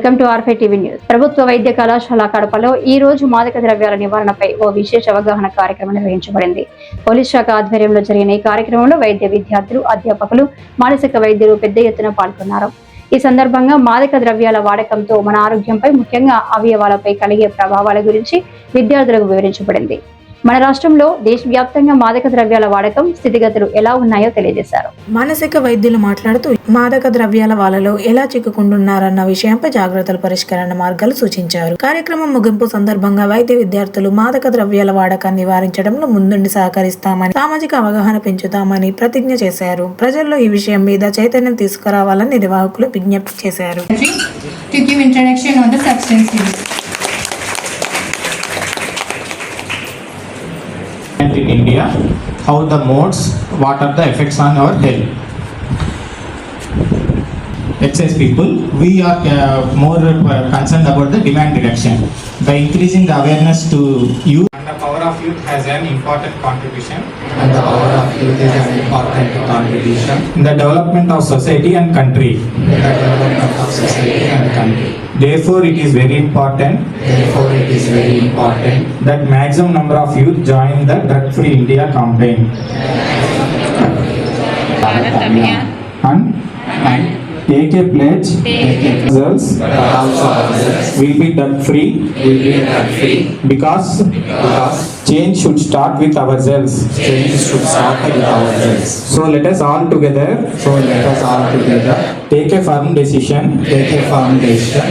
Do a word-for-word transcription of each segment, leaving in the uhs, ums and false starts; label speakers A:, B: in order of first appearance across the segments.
A: Welcome to ఆర్ఫై TV news. ప్రభుత్వ వైద్య కళాశాల కడపలో ఈ రోజు మాదక ద్రవ్యాల నివారణపై ఓ విశేష అవగాహన కార్యక్రమం నిర్వహించబడింది. పోలీస్ శాఖ ఆధ్వర్యంలో జరిగిన ఈ కార్యక్రమంలో వైద్య విద్యార్థులు, అధ్యాపకులు, మానసిక వైద్యులు పెద్ద ఎత్తున పాల్గొన్నారు. ఈ సందర్భంగా మాదక ద్రవ్యాల వాడకంతో మన ఆరోగ్యంపై, ముఖ్యంగా అవయవాలపై కలిగే ప్రభావాల గురించి విద్యార్థులకు వివరించబడింది. మన రాష్ట్రంలో దేశవ్యాప్తంగా మాదక ద్రవ్యాల వాడకం స్థితిగతులు ఎలా ఉన్నాయో తెలియజేశారు.
B: మానసిక వైద్యులు మాట్లాడుతూ మాదక ద్రవ్యాల వాళ్ళలో ఎలా చిక్కుకుంటున్నారన్న విషయంపై జాగ్రత్తల పరిష్కరణ మార్గాలు సూచించారు. కార్యక్రమం ముగింపు సందర్భంగా వైద్య విద్యార్థులు మాదక ద్రవ్యాల వాడకాన్ని నివారించడంలో ముందుండి సహకరిస్తామని, సామాజిక అవగాహన పెంచుతామని ప్రతిజ్ఞ చేశారు. ప్రజల్లో ఈ విషయం మీద చైతన్యం తీసుకురావాలని నిర్వాహకులు విజ్ఞప్తి చేశారు.
C: In India, how the modes, what are the effects on our health? Excess people, we are uh, more uh, concerned about the demand reduction. By increasing the awareness to youth, and the power of youth has an important contribution.
D: And the power of youth is an important contribution
C: in the development of society and country.
D: in the development of society and country.
C: Therefore, it is very important
D: Therefore, it is very important
C: that maximum number of youth join the drug-free India campaign. And, and take a pledge.
D: Take a
C: Results
D: but also others
C: will be drug-free
D: will be drug-free
C: because
D: because
C: change should start with ourselves.
D: change should start with ourselves.
C: So let us all together
D: So let us all together
C: take a firm decision.
D: take a firm decision.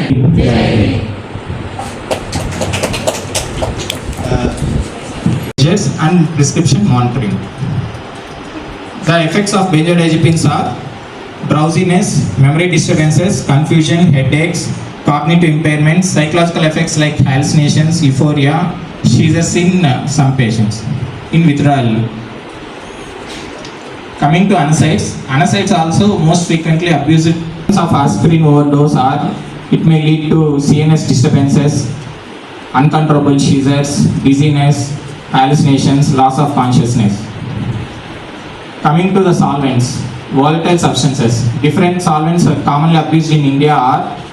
C: Measures and prescription monitoring. The effects of benzodiazepines are drowsiness, memory disturbances, confusion, headaches, cognitive impairments, psychological effects like hallucinations, euphoria, seizures in uh, some patients, in withdrawal. Coming to NSAIDs, NSAIDs also most frequently abused of aspirin overdose, or it may lead to C N S disturbances, uncontrollable seizures, dizziness, hallucinations, loss of consciousness. Coming to the solvents, volatile substances. Different solvents are commonly abused in India are